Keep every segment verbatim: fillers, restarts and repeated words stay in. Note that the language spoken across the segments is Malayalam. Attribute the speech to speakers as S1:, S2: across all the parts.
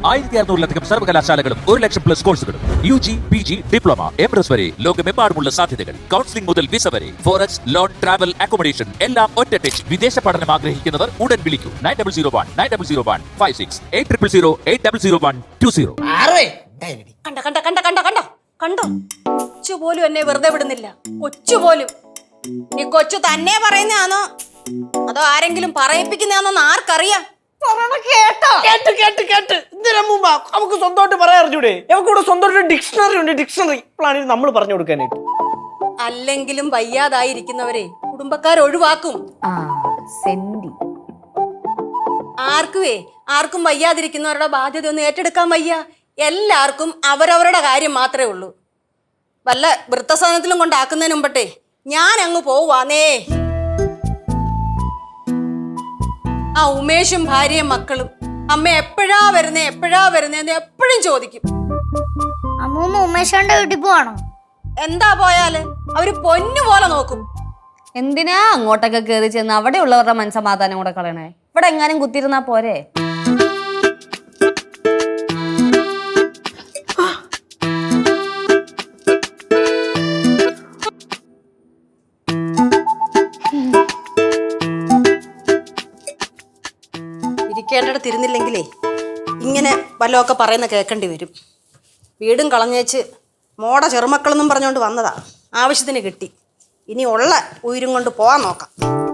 S1: ആയിരത്തി അറുന്നൂറിലധികം സർവകലാശാലകളും ഒരു ലക്ഷം പ്ലസ് കോഴ്സുകളും U G P G diploma M S വരെ ലോകമെമ്പാടുമുള്ള സാധ്യതകൾ. കൗൺസിലിംഗ് മുതൽ വിസ വരെ ഫോറക്സ് ലോൺ ട്രാവൽ അക്കോമഡേഷൻ എല്ലാം ഒറ്റ ടച്ച്. വിദേശ പഠനം ആഗ്രഹിക്കുന്നവർ ഉടൻ വിളിക്കൂ nine double zero one nine double zero one five six eight triple zero eight double zero one two zero.
S2: കണ്ട കണ്ട കണ്ട കണ്ട കണ്ടോ കണ്ടോ കൊച്ചു പോലും എന്നെ വെറുതെ വിടുന്നില്ല. കൊച്ചു പോലും. ഈ കൊച്ചു തന്നെ പറയുന്നതാണോ അതോ ആരെങ്കിലും പറയിപ്പിക്കുന്നതാണോന്ന് ആർക്കറിയാം? കേട്ടോ
S3: കേട്ട് കേട്ട് കേട്ട് എന്തിനമ്മ നമുക്ക് സ്വന്തമായിട്ട് പറയാൻ അറിഞ്ഞൂടെ? നമുക്ക് ഇവിടെ സ്വന്തമായിട്ട് ഡിക്ഷണറി ഉണ്ട്. ഡിക്ഷണറി പ്ലാനിൽ നമ്മൾ പറഞ്ഞു കൊടുക്കാനായിട്ട്.
S2: അല്ലെങ്കിലും വയ്യാതായിരിക്കുന്നവരെ കുടുംബക്കാർ ഒഴിവാക്കും. ആർക്കുവേ ആർക്കും വയ്യാതിരിക്കുന്നവരുടെ ബാധ്യത ഒന്നും ഏറ്റെടുക്കാൻ വയ്യ. എല്ലാവർക്കും അവരവരുടെ കാര്യം മാത്രമേ ഉള്ളൂ. വല്ല വൃദ്ധസദനത്തിലും കൊണ്ടാക്കുന്നതിന് മുമ്പട്ടെ ഞാൻ അങ്ങ് പോവാന്നേ. ആ ഉമേഷും ഭാര്യയും മക്കളും അമ്മ എപ്പോഴാ വരുന്നേ എപ്പോഴാ വരുന്നേന്ന് എപ്പോഴും ചോദിക്കും.
S4: അമ്മൂമ്മ ഉമേഷന്റെ വീട്ടിൽ പോവാണോ?
S2: എന്താ പോയാല് അവര് പൊന്നു പോലെ നോക്കും.
S5: എന്തിനാ അങ്ങോട്ടൊക്കെ കയറി ചെന്ന് അവിടെ ഉള്ളവരുടെ മനസ്സമാധാനം കൂടെ കളയണേ? ഇവിടെ എങ്ങാനും കുത്തിരുന്നാ പോരെ?
S2: ഇരിക്കേണ്ടടുത്ത് ഇരുന്നില്ലെങ്കിലേ ഇങ്ങനെ വല്ലതൊക്കെ പറയുന്ന കേൾക്കേണ്ടി വരും. വീടും കളഞ്ഞേച്ച് മോട ചെറുമക്കളെന്നും പറഞ്ഞുകൊണ്ട് വന്നതാ. ആവശ്യത്തിന് കിട്ടി. ഇനി ഉള്ള ഉയരും കൊണ്ട് പോവാൻ നോക്കാം.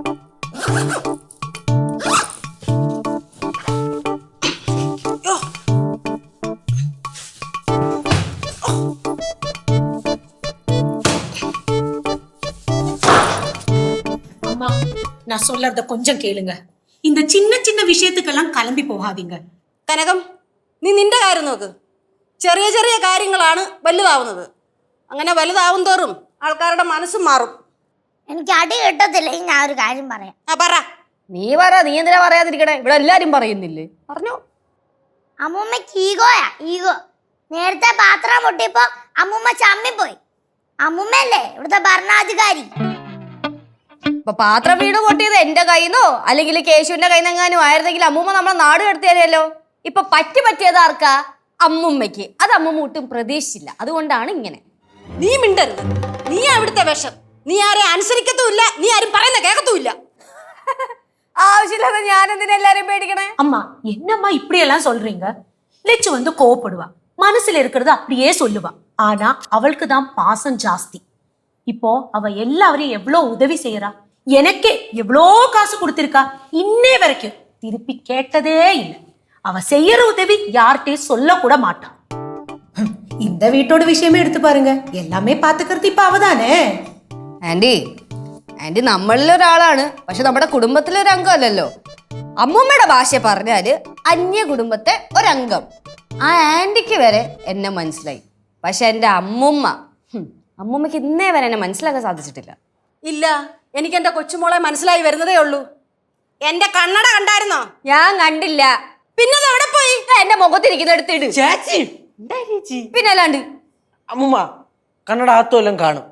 S6: அம்மா, நான் சொல்றத கொஞ்சம் கேளுங்க. இந்த சின்ன சின்ன விஷயத்துக்கெல்லாம் கிளம்பி போகாதீங்க.
S2: കനകം, നീ നിന്റെ കാര്യം നോക്ക്. ചെറിയ ചെറിയ കാര്യങ്ങളാണ് വലുതാവുന്നത്. അങ്ങനെ വലുതാവും തോറും ആൾക്കാരുടെ മനസ്സും മാറും.
S4: എനിക്ക് അടി കിട്ടത്തില്ലെങ്കിൽ ഞാൻ ഒരു കാര്യം പറയാം.
S2: ആ പറ.
S5: നീ പറ. നീ എന്തിനാ പറയാതിരിക്കണേ? ഇവിടെ എല്ലാരും പറയുന്നില്ലേ? പറഞ്ഞോ.
S4: അമ്മൂമ്മക്ക് ഈഗോയാ ഈഗോ. നേരത്തെ പാത്രം പൊട്ടിയപ്പോ അമ്മൂമ്മ ചമ്മിപ്പോയി. അമ്മൂമ്മയല്ലേ ഇവിടുത്തെ ഭരണാധികാരി.
S5: ഇപ്പൊ പാത്രം വീട് പൊട്ടിയത് എന്റെ കയ്യിന്നോ അല്ലെങ്കിൽ കേശുവിന്റെ കയ്യിന്നെങ്ങാനും ആയിരുന്നെങ്കിൽ അമ്മൂമ്മ നമ്മളെ നാട് കടത്തിയാലോ. ഇപ്പൊ പറ്റി പറ്റിയത് ആർക്കാ? അമ്മുമ്മയ്ക്ക്. അത് അമ്മൂമ്മ ഒട്ടും പ്രതീക്ഷിച്ചില്ല. അതുകൊണ്ടാണ് ഇങ്ങനെ.
S2: നീ മിണ്ടരുത്. നീ അവിടുത്തെ വിഷം. നീ ആരെ അനുസരിക്കത്തുമില്ല. നീ ആരും പറയുന്ന കേൾക്കത്തുമില്ല.
S5: ആവശ്യമില്ലാതെ ഞാൻ എന്തിനാ എല്ലാരും പേടിക്കണേ?
S6: அம்மா, என்னம்மா இப்படி எல்லாம் சொல்றீங்க? லெச்சு வந்து கோவப்படுவா. மனசுல இருக்கிறது அப்படியே சொல்லுவா. ஆனா அவளுக்கு தான் பாசம் ஜாஸ்தி. இப்போ அவ எல்லாரையும் எவ்வளவு உதவி செய்யறா. எனக்கே எவ்வளோ காசு கொடுத்திருக்கா. இன்னே வரைக்கும் திருப்பி கேட்டதே இல்லை. அவ செய்யற உதவி யார்கிட்டயும் சொல்ல கூட மாட்டான். இந்த வீட்டோட விஷயமே எடுத்து பாருங்க. எல்லாமே பாத்துக்கிறது இப்ப அவதானே.
S5: Aunty aunty നമ്മളിലൊരാളാണ്. പക്ഷെ നമ്മുടെ കുടുംബത്തിലെ ഒരു അംഗമല്ലല്ലോ. അമ്മൂമ്മയുടെ ഭാഷ പറഞ്ഞാല് അന്യ കുടുംബത്തെ ഒരംഗം. ആ ആന്റിക്ക് വരെ എന്നെ മനസ്സിലായി. പക്ഷെ എൻ്റെ അമ്മൂമ്മ അമ്മൂമ്മക്ക് ഇന്നേ വരെ എന്നെ മനസ്സിലാക്കാൻ സാധിച്ചിട്ടില്ല.
S2: ഇല്ല, എനിക്ക് എന്റെ കൊച്ചുമോളെ മനസ്സിലായി വരുന്നതേ ഉള്ളൂ. എന്റെ കണ്ണട കണ്ടായിരുന്നോ?
S5: ഞാൻ കണ്ടില്ല.
S2: പിന്നെ അത് എവിടെ പോയി?
S5: എന്റെ മുഖത്തിരിക്കുന്ന എടുത്തിട്.
S3: ചേച്ചി
S5: പിന്നെ അല്ലാണ്ട്
S3: അമ്മൂമ്മ കണ്ണട ആത്തുമെല്ലാം കാണും.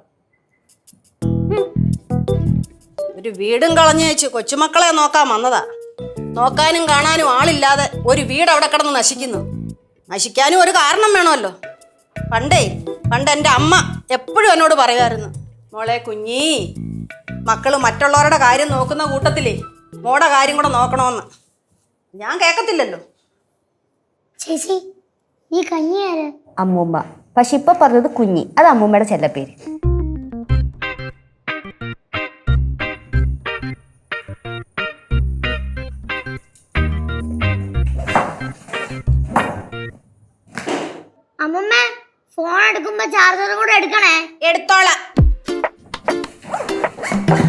S2: ഒരു വീടും കളഞ്ഞു വെച്ച് കൊച്ചുമക്കളെ നോക്കാൻ വന്നതാ. നോക്കാനും കാണാനും ആളില്ലാതെ ഒരു വീട് അവിടെ കിടന്ന് നശിക്കുന്നു. നശിക്കാനും ഒരു കാരണം വേണമല്ലോ. പണ്ടേ പണ്ട് എൻ്റെ അമ്മ എപ്പോഴും എന്നോട് പറയുമായിരുന്നു, മോളെ കുഞ്ഞീ, മക്കള് മറ്റുള്ളവരുടെ കാര്യം നോക്കുന്ന കൂട്ടത്തിലേ മോടെ കാര്യം കൂടെ നോക്കണമെന്ന്. ഞാൻ കേൾക്കത്തില്ലല്ലോ.
S4: ചേച്ചി ഈ കഞ്ഞി ആര്?
S5: അമ്മൂമ്മ. പക്ഷെ ഇപ്പൊ പറഞ്ഞത് കുഞ്ഞി. അത് അമ്മൂമ്മയുടെ ചെല്ലപ്പേര്.
S4: അമ്മൂമ്മ ഫോൺ എടുക്കുമ്പോ ചാർജർ കൂടെ എടുക്കണേ.
S2: എടുത്തോളാം.